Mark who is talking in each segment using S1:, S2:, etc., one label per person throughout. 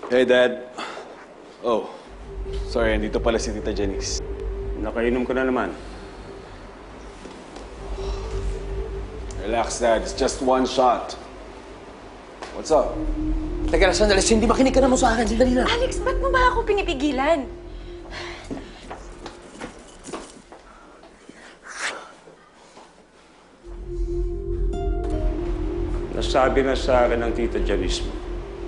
S1: Hey, Dad. Oh, sorry, andito pala si Tita Janice.
S2: Nakainom ko na naman.
S1: Relax, Dad. It's just one shot. What's up?
S3: Teka lang, sandali. Cindy, makinig ka na mo sa akin. Sandali lang.
S4: Alex, ba't mo ba ako pinipigilan?
S2: Nasabi na sa akin ng Tita Janice mo.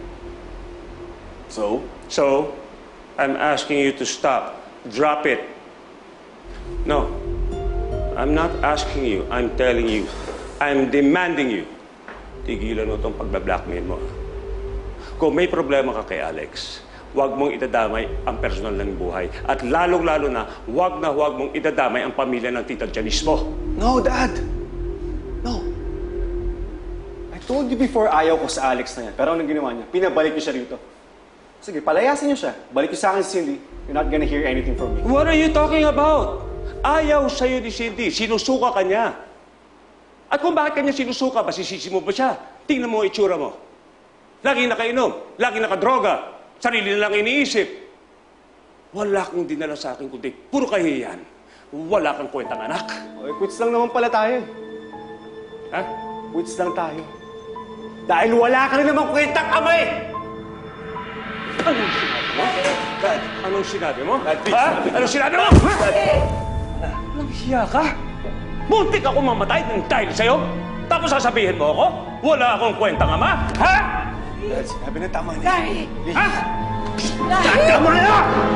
S1: So?
S2: So, I'm asking you to stop. Drop it. No. I'm not asking you. I'm telling you. I'm demanding you. Tigilan mo itong pagba-blackmail mo. Kung may problema ka kay Alex, huwag mong idadamay ang personal ng buhay. At lalong-lalo na huwag mong idadamay ang pamilya ng Tita Janice mo.
S1: No, Dad! No. I told you before ayaw ko sa Alex na yan. Pero anong ginawa niya? Pinabalik niyo siya rito. Sige, palayasin niyo siya. Balik niyo sa akin si Cindy. You're not gonna hear anything from me.
S2: What are you talking about? Ayaw sa'yo ni Cindy. Sinusuka ka niya. At kung bakit kanya sinusuka, basisisi mo ba siya? Tingnan mo ang itsura mo. Laging nakainom, laging nakadroga, sarili na lang iniisip. Wala kang dinala sa akin kundi puro kahihiyan. Wala kang kwentang anak.
S1: Okay, quits lang naman pala tayo.
S2: Ha?
S1: Quits lang tayo. Dahil wala ka rin namang kwentang ama eh!
S2: Anong sinabi mo?
S1: Dad!
S2: Anong sinabi mo?
S1: Dad, please.
S2: Ha? Anong sinabi mo? Anong hiya ka? Muntik ako mamatay ng dahil sa'yo? Tapos sasabihin mo ako? Wala akong kwentang ama? Ha?
S1: Dad, sinabi na tama na.
S4: Larry!
S2: Ha?
S4: Larry!
S2: Tama na!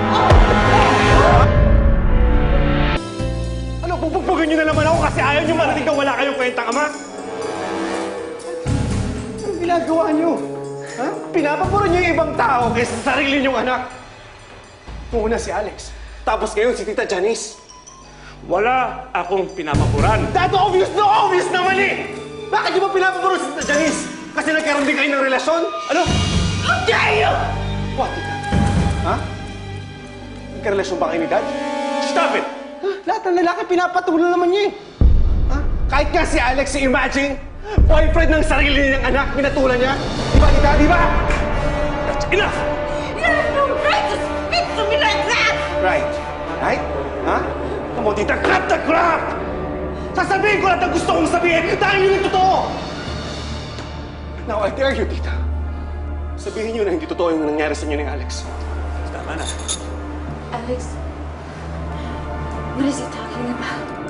S1: Ano, bubugbugin niyo na naman ako kasi ayaw niyo marinig na wala kayong kwentang ama? Anong ginagawa niyo? Ha? Pinapapuro niyo yung ibang tao kaysa sa sarili niyong anak. Una si Alex, tapos ngayon si Tita Janice.
S2: Wala akong pinapapuran.
S1: Dad, obvious na obvious naman eh! Bakit niyo ba pinapapuro si Tita Janice? Kasi nagkaroon din kayo ng relasyon? Ano?
S4: How dare you!
S1: What, Tita? Ha? Nagkarelasyon ba kayo ni Dad?
S2: Stop it!
S1: Lahat ng lalaki pinapatulan naman niya eh. Ha? Kahit nga si Alex, imagine, boyfriend ng sarili niyang anak, pinatulan niya. Di ba, Tita? Di ba?
S2: That's enough!
S4: You have no right to speak to me like that!
S1: Right. Right? Ha? Come on, Tita, cut the crap! Sasabihin ko lahat ang gusto kong sabihin dahil yun yung totoo! Now, I dare you, Tita. Sabihin niyo na hindi totoo yung nangyari sa inyo ni Alex.
S2: Tama na.
S4: Alex, what is he talking about?